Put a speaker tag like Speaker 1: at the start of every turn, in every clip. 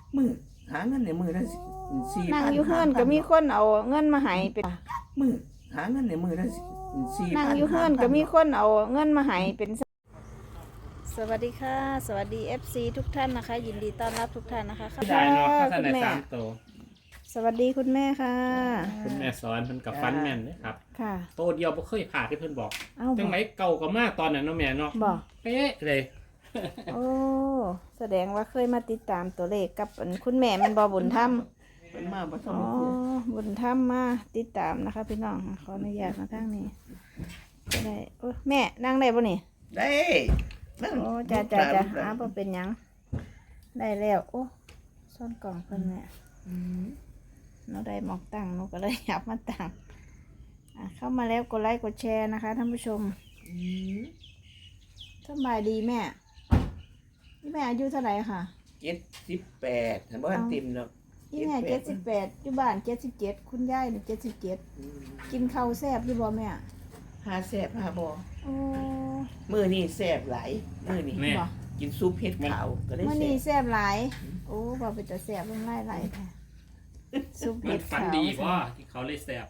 Speaker 1: มือหาเงินในมือได้4,000
Speaker 2: นั่งอยู่เฮือนก็มีคนเอาเงินมาให้เป็น
Speaker 1: มือหาเงินในมือได้4,000
Speaker 2: นั่งอยู่เฮือนก็มีคนเอาเงินมาให้เป็นสวัสดีค่ะสวัสดี FC ทุกท่านนะคะยินดีต้อนรับทุกท่านนะคะค่ะ
Speaker 3: ได้เนาะข้าวสาร
Speaker 2: คุณ
Speaker 3: ใน
Speaker 2: แม่
Speaker 3: 3 ตัว
Speaker 2: สวัสดีคุณแม่ค่ะ
Speaker 3: คุณแม่สอนเพิ่นกับฟันแม่นเด้ครับ
Speaker 2: ค่ะ
Speaker 3: โตเดียวบ่เคยผ่าที่เพิ่นบอก
Speaker 2: เอ้าบ
Speaker 3: จั
Speaker 2: อง ก
Speaker 3: ไหนเก่าก็มาตอนนั้นเนาะแม่เนาะ
Speaker 2: บอก
Speaker 3: เป๊ะเลย
Speaker 2: โอ้แสดงว่าเคยมาติดตามตัวเลขกับคุณแม่มันบอบุญธรรม
Speaker 1: เป็นมาบ่
Speaker 2: อ๋อบุญธรรมมาติดตามนะคะพี่น้องขออนุญาตมาทางนี้ก็ได้โอ้แม่นั่งได้ป่ะนี่
Speaker 1: ได้นั่น
Speaker 2: โอ้จ้าบ่เป็นหยังได้แล้วโอ้ซ่อนกล่องเพิ่นแม่หนูได้หมอกตั้งหนูก็เลยอยากมาตั้งเข้ามาแล้วกดไลค์กดแชร์นะคะท่านผู้ชมสบายดีแม่นี่แม่อายุเท่าไหร่ค่ะ
Speaker 1: 78ถ้าบ่ทันเต็มดอก
Speaker 2: นี่แม่78อยู่บ้าน77คุณยายนี่77กินข้าวแซ่บอยู่บ่แม่
Speaker 1: หาแซ่บหาบ่
Speaker 2: โอ้
Speaker 1: มื้อนี้แซ่บหลายมื้อนี้
Speaker 3: แม่
Speaker 2: บ่
Speaker 1: กินซุปเห็ดขาวก็ได้
Speaker 2: มื้อ
Speaker 1: แซ่
Speaker 2: นี้
Speaker 1: บ
Speaker 2: แซ่บหลายโอ้บ่เป็นตาแซ่บลงหลายๆแท้ซุป
Speaker 3: มั
Speaker 2: เห็
Speaker 3: น
Speaker 2: ด
Speaker 3: ฟัน
Speaker 2: ขาว
Speaker 3: ดีบ่ที่เขาเลยแซ่บ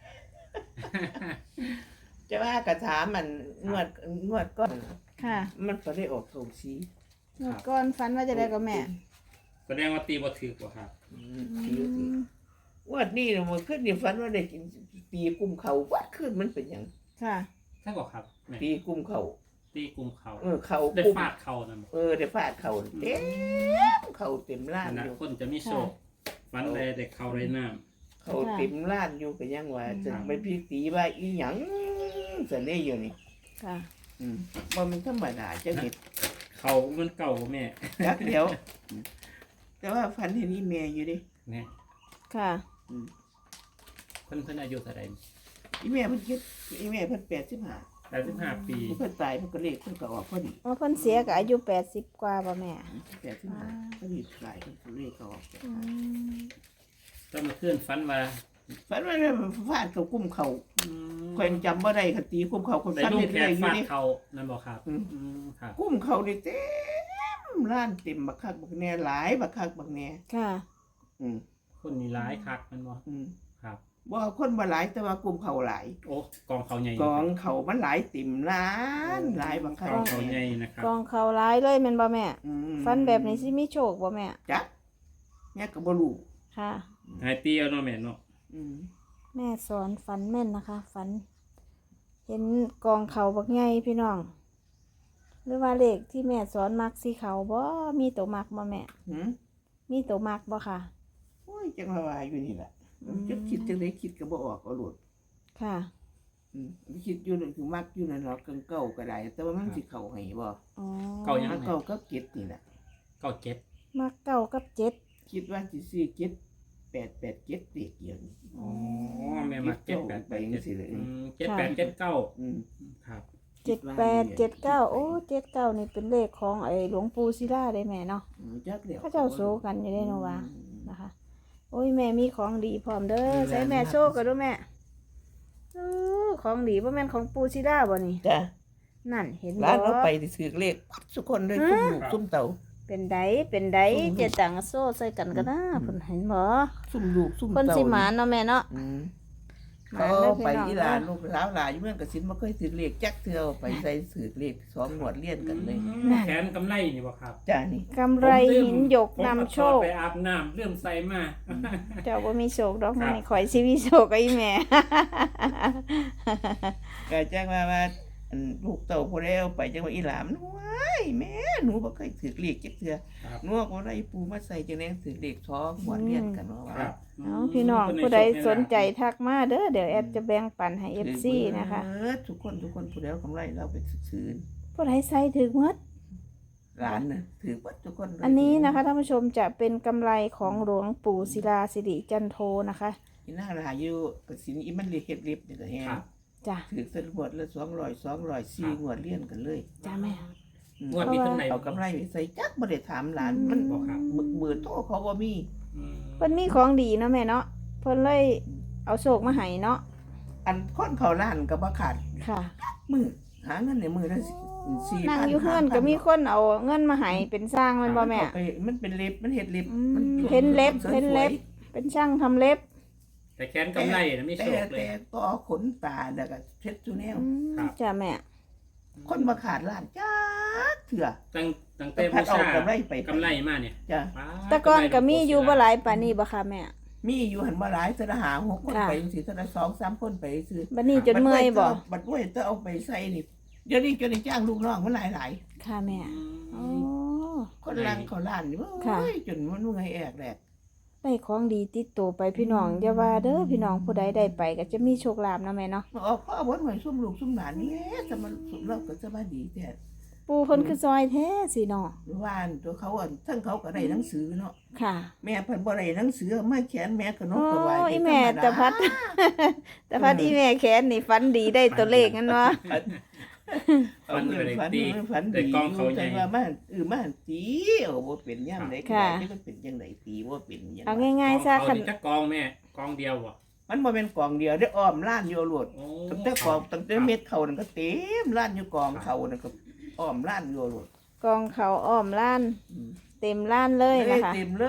Speaker 1: จะว่ากระถามันงวดก้อน
Speaker 2: ค่ะ
Speaker 1: มันก็ได้ออกโถงสี
Speaker 2: หมดก่อนฝันว่าจะได้กับแม่
Speaker 3: แสดงว่าตีบ่ถูกบ่ครับ
Speaker 1: งวดนี้น่ะมันขึ้นนี่ฝันว่าได้กินปีกุมเขาวัดขึ้นมันเป็นหยัง
Speaker 2: ค่ะ
Speaker 3: ใช่บ่ครับแม่
Speaker 1: ปีกุมเขา
Speaker 3: ตีกลุ่มเขา
Speaker 1: เขา
Speaker 3: ได้
Speaker 1: กุม
Speaker 3: ฟาดเขานั่นบ่
Speaker 1: ได้ฟาดเขาเต็มเขาเต็มล้าน
Speaker 3: นั่น
Speaker 1: อยู่
Speaker 3: คนจะมีโชคฟันได้แต่เขาได้น้ำ
Speaker 1: เขาเต็มล้านอยู่ก็ยังว่าจะไปพี่ตีว่าอีหยังเสน่ห์อยู่นี่
Speaker 2: ค่ะ
Speaker 1: ว่ามันธรรมดาจะเห็น
Speaker 3: เขามันเก่าบ่แม่
Speaker 1: จักเดียวแต่ว่าฝันเห็นอีเมย์อยู่ดิ
Speaker 3: แม่
Speaker 2: ค่ะ
Speaker 3: เพิ่นอายุเท่าใด
Speaker 1: อีเมย์เพิ่นคิดอีเมย์เพิ่น
Speaker 3: 85 ปี
Speaker 1: เพิ่นตายเพิ่นก็เลขเพิ่นก็ออกพอดี
Speaker 2: ว่าเพิ่นเสียก็อายุ80กว่าบ่แม่
Speaker 1: 85พอดีตายเพิ่นก็เลขก็ออก
Speaker 2: อืม
Speaker 3: ก็มาขึ้นฟันว่า
Speaker 1: ฝันว่าฟาดเขากุ้มเขา
Speaker 3: อืม
Speaker 1: ข่อยจำบ่ได้คตีกุ้มเขาคน
Speaker 3: ได้
Speaker 1: ฝัน
Speaker 3: ลูก
Speaker 1: เห็น
Speaker 3: แข
Speaker 1: เลย
Speaker 3: ก
Speaker 1: อยู่
Speaker 3: ฟาด
Speaker 1: ดิ
Speaker 3: เขานั่นบ่ครับครับ
Speaker 1: กุ้มเขานี่เต็มร้านเต็มบักคักบักแหน่หลายบักคักบักแหน่
Speaker 2: ค่ะ
Speaker 1: อืม
Speaker 3: คนนี่ร้ายคักมันบ่
Speaker 1: อืม
Speaker 3: ครับ
Speaker 1: บ่คนบ่หลายแต่ว่ากุ้มเขาหลาย
Speaker 3: โอ้กองเขาใหญ่
Speaker 1: กองเขามันหลายเต็มร้านหลายบักคัก
Speaker 3: กองเขาใหญ่นะครับ
Speaker 2: กองเขาร้ายเลยแม่นบ่แม่
Speaker 1: อืม
Speaker 2: ฟันแบบนี้สิมีโชคบ่แม่
Speaker 1: จักแม่ก็บ่รู้
Speaker 2: ค่ะ
Speaker 3: หายเตี้ยเนาะแม่เนาะ
Speaker 1: อืม
Speaker 2: แม่สอนฝันแม่นนะคะฝัน เห็นกองเขาบักใหญ่พี่น้อง หรือว่าเลขที่แม่สอนมักสีเขาบ่มีตัวมักบ่แม่
Speaker 1: หืม
Speaker 2: มีตัวมักบ่ค่ะ
Speaker 1: โอ้ยจังว่าอยู่นี่ล่ะจะคิดจังได๋คิดก็บ่ออกเอาโลด
Speaker 2: ค่ะ
Speaker 1: คิดอยู่นั่นคือมักอยู่นั่นเนาะเก่าก็ได้แต่ว่ามันสิเข้าให้บ่
Speaker 2: อ๋อ
Speaker 3: เก่ายัง
Speaker 1: มัน
Speaker 3: ไง
Speaker 1: เก่าก็เก็ดนี่ล่ะ
Speaker 3: เก่าเจ็ด
Speaker 2: มักเก้ากับเจ็ด
Speaker 1: คิดว่าสิซื้อเก็ด887เด็กเดียวนี่
Speaker 3: อ๋อแม่มาเจ็ดแปด
Speaker 1: ไปจังซี่เลย
Speaker 3: 7879
Speaker 1: อืม
Speaker 3: ครับ
Speaker 2: 7879โอ้79นี่เป็นเลขของไอ้หลวงปู่ศิลาได้แม่เนาะ
Speaker 1: จักแล้ว
Speaker 2: เขาเจ้าโซกันอยู่ได้เนาะว่านะคะ โอ้ยแม่มีของดีพร้อมเด้อใส่แม่โชคกันด้วยแม่ของดีบ่แม่นของปู่ศิลาบ่นี่
Speaker 1: จ้ะ
Speaker 2: นั่นเห็นบ่
Speaker 1: ร้านเราไปที่ซื้อเลขปัดทุกคนเลยซุ่มลูกซุ่มเต่า
Speaker 2: เป็นไดเจตังโซ่ใส่กันก็นะเพิ่นเห็นบ่
Speaker 1: ซุ่มลูกซุ่ม
Speaker 2: เพิ่น
Speaker 1: เต่า
Speaker 2: สิหมานเนาะแม่เนาะ ห
Speaker 1: เขา
Speaker 2: มานเด้อ
Speaker 1: ไป
Speaker 2: พี่น้อง
Speaker 1: อีหลานลูกสาวหลานอยู่เมืองกสินบ่เคยซื้อเลขจักเทื่อไปใส่ซื้อเลข2งวดเลียนกันเลย
Speaker 3: แขนกำไรนี่บ่ครับ
Speaker 1: จ้านี่
Speaker 2: กำไรหินหยกนำโชค
Speaker 3: ไปอาบน้ำเริ่มใส่มา
Speaker 2: เจ้าบ่มีโชคดอก
Speaker 3: ครับ
Speaker 2: นี่ข่อยสิมีโชคกับอีแม่
Speaker 1: ก็แจ้งว่าอันลูกเต่าผู้ใดเอาไปจังว่าอีหลานมันว้ายแม่หนูบ่เคยซื้อเลขจักเทื่อ
Speaker 3: ครับ
Speaker 1: หนูว่าบ่ได้ปูมาใส่จังได๋ซื้อเลข2งวดเลียนกันว่า
Speaker 3: ครับ
Speaker 2: เอาพี่น้องผู้ใดสนใจทักมาเด้อเดี๋ยวแอดจะแบ่งปันให้ FC นะคะ
Speaker 1: ทุกคนผู้ใดเอากำไรเราไปซื้อ
Speaker 2: ผู้ใดใส่ถึงหมด
Speaker 1: ร้านน่ะถือว่าทุกคนเลย
Speaker 2: อันนี้นะคะท่านผู้ชมจะเป็นกำไรของหลวงปู่ศิลาสิริจันโทนะคะ
Speaker 1: อีน่าหลายอยู่กสินอีมันเฮ็ดลิฟต์นี่ก็แฮง
Speaker 3: ครับ
Speaker 2: จ้ะ
Speaker 1: ถือสงวดละ200 4งวดเลี้ยนกันเลย
Speaker 2: จ้ะแม่
Speaker 3: งวดนี้เพิ่นไหน
Speaker 1: เอากำไรไปใส่จักบ่ได้ถามหลานมัน
Speaker 3: บ่ครับ
Speaker 1: เบื่อโตเขาบ่มี
Speaker 2: เพิ่นมีของดีเนาะแม่เนาะเพิ่นเลยเอาโชคมาให้เนาะ
Speaker 1: อันคนเขาร้านก็บ่ขาด
Speaker 2: ค่ะ
Speaker 1: มือหาเงินในมือได้ 4,000
Speaker 2: นั่งอยู่เพื่อนก็มีคนเอาเงินมาให้เป็นสร้างแมันบ่แม่
Speaker 1: เอาไปมันเป็นเล็บมันเฮ็ดเล็บ
Speaker 2: อืม
Speaker 1: มัน
Speaker 2: เพ้นเล็บ
Speaker 1: สวยๆ
Speaker 2: เพ้นเล็บ เป็นช่างทำเล็บ
Speaker 3: แต่แค้นกำไรนะไม่โช
Speaker 1: แต่
Speaker 3: คเลย
Speaker 1: แต่ต่อขนตาแล้วก็เช็ดจูแนว
Speaker 2: อืม
Speaker 3: ครับ
Speaker 2: จ้ะแม่
Speaker 1: คนมาขาดร้านจ้าเถื่อ
Speaker 3: ตั้งแต่
Speaker 1: พั
Speaker 3: บู
Speaker 1: ดเอา
Speaker 3: ชาก
Speaker 1: ำไรไป
Speaker 3: กำไรมาเนี่ย
Speaker 1: จ้ะ
Speaker 3: ป๊าด
Speaker 2: แต่ก่อนก็มี
Speaker 3: ำไร
Speaker 2: อยู่บ่หลายปานนี้บ่ค่ะแม่
Speaker 1: มีอยู่หันมาหลายสระหา6คน
Speaker 2: ค่ะ
Speaker 1: ไปจังซี่สระ2-3คนไปซื้อ
Speaker 2: บัดนี้จนเมื่อยบ่
Speaker 1: บัดเว้ยต้องเอาไปใส่นี่เดี๋ยวนี้จนได้จ้างลูกน้องมันหลาย
Speaker 2: ค่ะแม่
Speaker 3: อื
Speaker 2: โอ้
Speaker 3: ม
Speaker 1: ๆคนลังเขาล้านนี่
Speaker 2: ค่ะ
Speaker 1: โอ้ยจนมันเมื่อยแอกแหลก
Speaker 2: ได้ของดีติดตัวไปพี่น้องอย่าว่าเด้อพี่น้องผู้ใดได้ไปก็จะมีโชคลาภนะแม่เนาะ
Speaker 1: มาออกพ่อบ่หน่วยซุ่มลูกซุ่มหลานนี่แหละจะมาสุดเราก็จะมาดีแท้
Speaker 2: ปู่เพิ่นคือซอยแท้สิเนาะ
Speaker 1: ว่านตัวเขาอ่ะทั้งเขาก็ได้หนังสือเนาะ
Speaker 2: ค่ะ
Speaker 1: แม่เพิ่นบ่ได้หนังสือมาเขียนแม่ก็น
Speaker 2: โอ้
Speaker 1: กก็ไหว
Speaker 2: ยแม่ตะพัด แต่พัดอีแม่แขนนี่ฝันดีได้ตัวเลขงั้นเนาะ
Speaker 3: ฟันไปเลยตี
Speaker 1: ฝัน
Speaker 3: แต่
Speaker 1: ดี
Speaker 3: กล้องเขาใหญ่
Speaker 1: แต่ว่ามาตีเอาบ่เป็นยามใดก็ได้มันเป็นจังไดตีบ่เป็นหยัง
Speaker 2: เอาง่ายๆซะ
Speaker 3: กอง
Speaker 2: คัน
Speaker 3: เขานี่จะกองแม่กองเดียวบ่
Speaker 1: มันบ่แม่นกองเดียวได้อ้อมล้านอยู่โลด
Speaker 3: โอ้
Speaker 1: ตั้งแต่กองตั้งแต่เม็ดเขานั่นก็เต็มล้านอยู่กองเขานั่นก็อ้อมล้านอยู่โลด
Speaker 2: กองเขาอ้อมล้าน
Speaker 1: อืม
Speaker 2: เต็มล้านเลยนะคะ
Speaker 1: เต็มเลย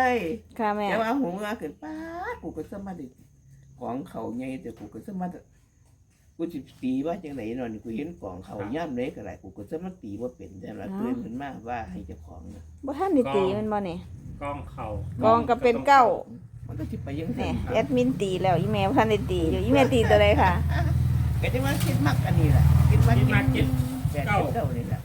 Speaker 2: ค่ะแม่
Speaker 1: แต่ว่าหูว่าขึ้นป๊าดกูก็สมาดิกองเขาใหญ่แต่กูก็สมาดิกูสิตีว่าจังไดเนาะนี่กูเห็นกองเขาย่ำเล็กอะไรกูก็สมาตีว่าเป็นแต่ละเตือนขึ้นมาว่าให้เจ้าของนะ
Speaker 2: บ่ทันได้ตีมันบ่นี่
Speaker 3: กองเขา
Speaker 2: กองก็เป็นเก้า
Speaker 1: มันก็สิไปยัง
Speaker 2: แห
Speaker 1: ไง
Speaker 2: น่แอดมินตีแล้วอีแม่บ่ทันได้ตีอยู่อีแม่ตีตัวใดค่ะ
Speaker 1: ก็จะมาคิดมักอันนี้แหละคิดว่า
Speaker 3: คิดมาคิด
Speaker 1: แปดเก้านี่แหละ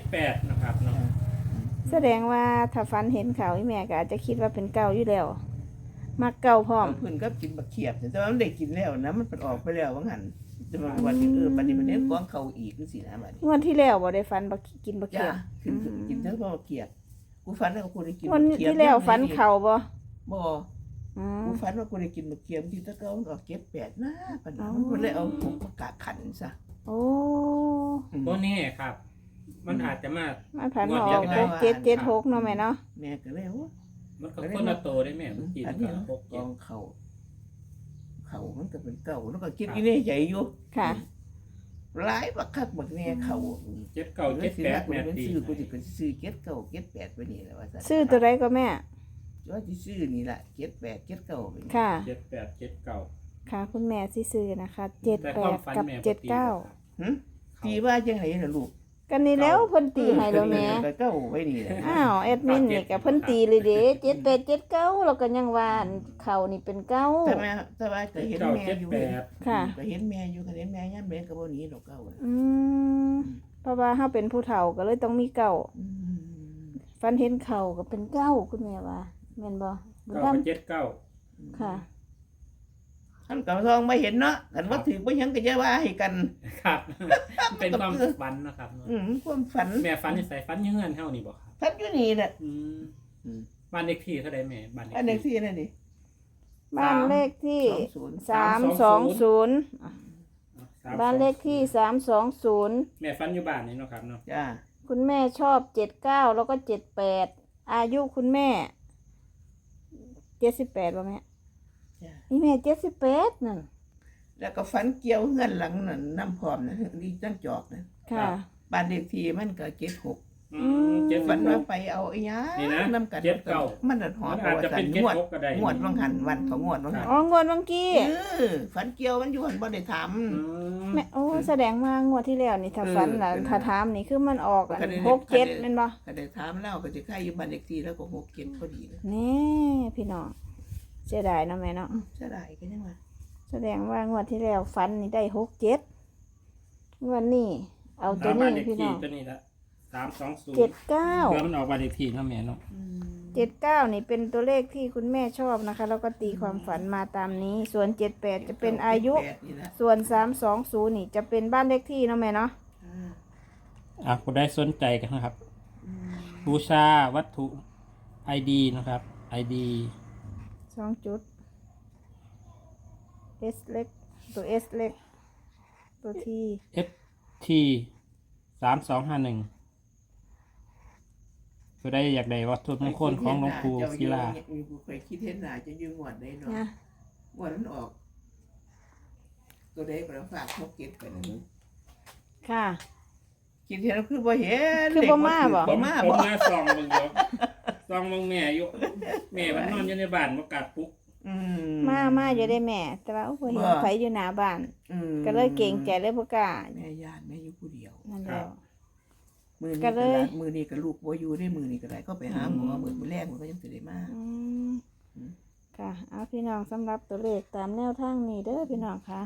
Speaker 3: 78นะครับเนาะ
Speaker 2: แสดงว่าถ้าฝันเห็นเขาอีแม่ก็อาจจะคิดว่าเป็นเก่าอยู่แล้วมักเก่าพร้อม
Speaker 1: เพิ่นก็กินบักเขียบแต่ว่ามันได้กินแล้วนะมันเป็นออกไปแล้วว่างั้นแต่มันวันนี้บัดนี้มันเน้นกองเขาอีกคือสินะบัดนี้
Speaker 2: งวดที่แล้วบ่ได้ฝันบ่กินบ่
Speaker 1: จ้า
Speaker 2: เขียบ
Speaker 1: กินทั้งบักเขียบกูฝันว่ากูได้กิน
Speaker 2: งวด
Speaker 1: บักเขียบ
Speaker 2: ที่แล้วฝันเขาบ่
Speaker 1: บ่
Speaker 2: อืม
Speaker 1: กูฝันว่ากูได้กินบักเขียบที่ตะเกามันออก7-8นะปัญหามันเลยเอาผมประกาศขันซะ
Speaker 2: โอ้
Speaker 3: บ่แน่ครับ มันอาจจะมา
Speaker 2: มันผ่านมาอ
Speaker 3: ง
Speaker 2: อ
Speaker 3: ว
Speaker 2: ก
Speaker 3: ดเดียวกัน
Speaker 2: 6776เนาะแม่เนาะ
Speaker 1: แม่ก็เลยว่า
Speaker 3: มันก็คนละโตได้แม่มันกิน
Speaker 1: อัน
Speaker 3: กั
Speaker 1: นี้
Speaker 3: บพวก
Speaker 1: ก
Speaker 3: เจ็
Speaker 1: อ
Speaker 3: ด
Speaker 1: งเขามันก็เป็นเก่าแล้วก็คิดอีนี่ใหญ่อยู่
Speaker 2: ค่ะ
Speaker 1: หลายบักคักบักแน่เขา
Speaker 3: เจ็ดเก้าเจ็ดแปด
Speaker 1: กู
Speaker 3: แม่
Speaker 1: เป็น
Speaker 3: ตี
Speaker 1: ซื้อกูสิเป็นซื้อ7-9-7-8ไปนี่แหละว่าซั่น
Speaker 2: ซื้อตัวใดก็แม่
Speaker 1: ว่าสิซื้อนี่ล่ะ7-8-7-9ไปนี่
Speaker 2: ค่ะ
Speaker 3: 7879
Speaker 2: ค่ะคุณแม่สิซื้อนะคะ
Speaker 3: แต่ความฝัน
Speaker 2: 78กับ
Speaker 3: แม่บ่ตี
Speaker 2: 79
Speaker 1: หึตีว่าจังไดน่ะลูก
Speaker 2: กันนี่แล้วเพิ่นตีให้แล้วแม่
Speaker 1: ก็เก้าไว้นี่แหละ
Speaker 2: อ้าวแอดมินนี่ก็เพิ่นตีเลยเด้7879แล้วก็ยังว่าอันเขานี่เป็นเก้า
Speaker 1: แต่ว่าก็เห็น
Speaker 3: เก้า
Speaker 1: แม่
Speaker 3: เจ็ด
Speaker 1: อยู่
Speaker 3: แปด
Speaker 2: ค่ะ
Speaker 1: ก็เห็นแม่อยู่ก็เห็นแม่ย่ำแม่ก็บ่หนีดอกเก้าน่ะ
Speaker 2: อืมเพราะว่าเฮาเป็นผู้เฒ่าก็เลยต้องมีเก้า
Speaker 1: อืม
Speaker 2: ฟันเห็นเข่าก็เป็นเก้าคุณแม่ว่าแม่นบ่บุญ
Speaker 3: เก้า
Speaker 2: ธรรม
Speaker 3: กับเจ็ดเก้า
Speaker 2: ค่ะ
Speaker 1: ท่านกับทองไม่เห็นเนาะกันว่าถือบ่หยังก็จะว่าให้กัน
Speaker 3: ครับ เป็นความฝันนะครับ
Speaker 1: ความฝัน
Speaker 3: แม่ฝันนี่ใส่ฝันอยังเงินเท่านี้บ่ครับ
Speaker 1: ฝันอยู่นี่แหละ
Speaker 3: อืม
Speaker 1: อืม
Speaker 3: บ้านเลขที่เท่าใดแม่บ้านเลข
Speaker 1: อันนี้
Speaker 3: ที่
Speaker 1: ที่นั่นนี่
Speaker 2: บ้านเลขที่
Speaker 1: 20
Speaker 2: 320บ้านเลขที่320
Speaker 3: แม่ฝันอยู่บ้านนี่เนาะครับเนาะ
Speaker 1: จ้า
Speaker 2: คุณแม่ชอบ79แล้วก็78อายุคุณแม่78บ่แม่
Speaker 1: จ้า
Speaker 2: นี่แม่78นั่น
Speaker 1: แล้วก็ฝันเกี่ยวเฮือนหลังนั่นน้ำพร้อมนะนี่จังจอกนะ
Speaker 2: ค่ะ
Speaker 1: บ้านเลขที่มันก็76
Speaker 3: เจ็ด
Speaker 1: ฝัน
Speaker 3: เก้า
Speaker 1: ว่าไปเอาอีหยัง
Speaker 3: นี่นะ
Speaker 1: น้ำกัน
Speaker 3: 79
Speaker 1: มันน่ะหอ
Speaker 3: มั
Speaker 1: ม
Speaker 3: นอาจจะเป็น
Speaker 1: งวด
Speaker 3: 76ก็ได้
Speaker 1: งวดวังหันวันของงวดวังหัน
Speaker 2: อ๋องวดเมื่อกี้
Speaker 1: ฝันเกี่ยวมันอยู่หันบ่ได้ถาม
Speaker 3: อืม
Speaker 2: แม่โอ้แสดงว่างวดที่แล้วนี่ถ้าฝันน่ะถ้าถามนี่คือมันออกอัน
Speaker 1: ก็ได้
Speaker 2: 67แม่นบ่
Speaker 1: ก็ได้ถามแล้วก็จะใกล้อยู่บ้านเลขที่แล้วก็67พอดีนะ
Speaker 2: แน่พี่น้องเสียดายเนาะแม่เนาะ
Speaker 1: จะได้ก็ยังว่า
Speaker 2: แสดงว่างวดที่แล้วฟันนี่ได้67งวดนี้เอาตัว
Speaker 3: บ้า
Speaker 2: นี้
Speaker 3: นเลข
Speaker 2: พี่
Speaker 3: ที่
Speaker 2: น้อง
Speaker 3: ตัวนี้ละ320
Speaker 2: 79
Speaker 3: เพื่อมันออกบ้านเลขที่เนาะแม่เนาะ
Speaker 2: 79นี่เป็นตัวเลขที่คุณแม่ชอบนะคะ แล้วก็ตีความฝันมาตามนี้ ส่วน78จะเป็นอายุ
Speaker 1: 78นี่แหละ
Speaker 2: ส่วน320นี่จะเป็นบ้านเลขที่เนาะแม่เนาะ
Speaker 3: คุณได้สนใจกันนะครับ บูชาวัตถุ ID นะครับ ID
Speaker 2: 2จุด S เล็กตัว S เล็กตัว T
Speaker 3: FT 3251ก็ได้อยากได้วัตถุมงคลของหลวงปู่ศิลา
Speaker 1: กูเคยคิดเห็นหน้าจะอยู่งวดได้เนาะ
Speaker 2: นะ
Speaker 1: งวดนั้นออก ตัวใดก็ฝากพกเก็บไปนะมึง
Speaker 2: ค่ะ
Speaker 1: คิดเห็นแล้วคือบ่เห็น
Speaker 2: คือบ่มาบ่
Speaker 1: บ่มา
Speaker 3: ผม
Speaker 1: บ่
Speaker 3: มาซองมึงเดียวซองมึงแม่อยู่แม่มันนอนอยู่ในบ้านบ่กลับปุ๊ก
Speaker 1: อื
Speaker 2: มาอยู่ได้แม่ แต่ว่าโอ้โหเห็นไผอยู่หน้าบ้าน
Speaker 1: อืม
Speaker 2: ก็เลยเก่งใจเลยบ่กล้า
Speaker 1: แม่ย่านแม่อยู่ผู้เดียว
Speaker 2: นั่นแหละ
Speaker 1: มือ
Speaker 2: ก็
Speaker 1: นี้
Speaker 2: เล
Speaker 1: ก็
Speaker 2: ย
Speaker 1: ละมือนี้ก็ลูกบ่อยู่ได้มือนี้ก็ได้ก็ไปหาหมอมื้อแรกมันก็ยังสิได้มา
Speaker 2: อืม
Speaker 1: อืม
Speaker 2: ค่ะเอาพี่น้องสำหรับตัวเลขตามแนวทางนี้เด้อพี่น้องค่ะ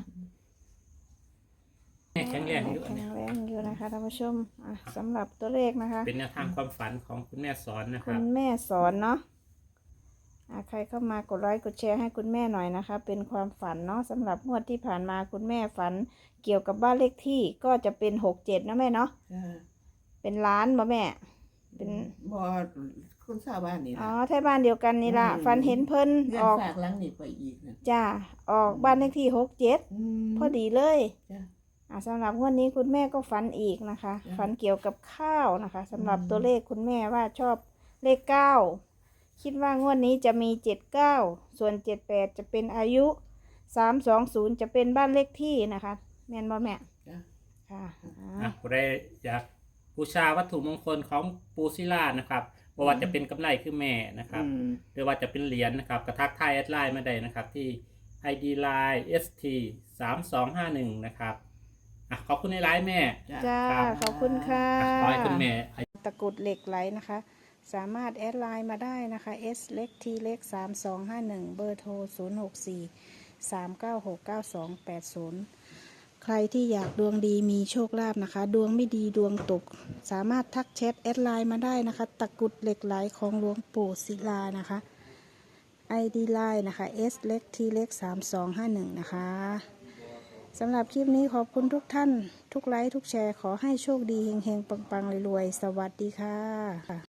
Speaker 3: แม่แข็งแรงอยู่
Speaker 2: แข็งแรงอยู่นะคะท่านผู้ชมสำหรับตัวเลขนะคะ
Speaker 3: เป็นแนวทางความฝันของคุณแม่สอนนะค
Speaker 2: คุ
Speaker 3: รับ
Speaker 2: ณแม่สอนเนาะใครเข้ามากดไลค์กดแชร์ให้คุณแม่หน่อยนะคะ เป็นความฝันเนาะสำหรับงวดที่ผ่านมาคุณแม่ฝันเกี่ยวกับบ้านเลขที่ก็จะเป็น67นะแม่เนาะ
Speaker 1: จ้า
Speaker 2: เป็นล้านบ่แม่ เป็น
Speaker 1: บ่คนชาวบ้านนี่
Speaker 2: อ๋อ
Speaker 1: ล่ะ
Speaker 2: แท่บ้านเดียวกันนี่ล่ะฝันเห็นเพิ่น
Speaker 1: เรื่อง
Speaker 2: ออก
Speaker 1: ฝากหลังนี่ไปอีกนะ
Speaker 2: จ้าออกบ้านเลขที่67
Speaker 1: ม
Speaker 2: พอดีเลย
Speaker 1: จ้า
Speaker 2: สำหรับงวดนี้คุณแม่ก็ฝันอีกนะคะ
Speaker 1: จ้ะ
Speaker 2: ฝันเกี่ยวกับข้าวนะคะสำหรับ
Speaker 1: อืม
Speaker 2: ตัวเลขคุณแม่ว่าชอบเลข9คิดว่างวดนี้จะมี79ส่วน78จะเป็นอายุ320จะเป็นบ้านเลขที่นะคะแม่นบ่แม่
Speaker 1: จ้า
Speaker 2: ค่ะ
Speaker 3: ผู้ใดอยากบูชาวัตถุมงคลของปูซิล่านะครับบ่ว่าจะเป็นกำไรคือแม่นะครับ
Speaker 1: อืม
Speaker 3: หรือว่าจะเป็นเหรียญนะครับกระทักทายแอดไลน์มาได้นะครับที่ ID Line ST 3251นะครับขอบคุณในไลน์แม่
Speaker 2: จ้า
Speaker 3: ครับ
Speaker 2: ขอบคุณค่ะ
Speaker 3: ขอให้คุณแม่
Speaker 2: ตะกรุดเหล็กไหลนะคะ สามารถแอดไลน์มาได้นะคะ S เล็ก T เล็ก3251เบอร์โทร064 396 9280 ใครที่อยากดวงดีมีโชคลาภนะคะ ดวงไม่ดีดวงตก สามารถทักแชทแอดไลน์มาได้นะคะ ตะกรุดเหล็กไหลของหลวงปู่ศิลานะคะ ID ไลน์นะคะ S เล็ก T เล็ก3251นะคะสำหรับคลิปนี้ขอบคุณทุกท่าน ทุกไลค์ทุกแชร์ขอให้โชคดีเฮงๆปังๆรวยๆสวัสดีค่ะ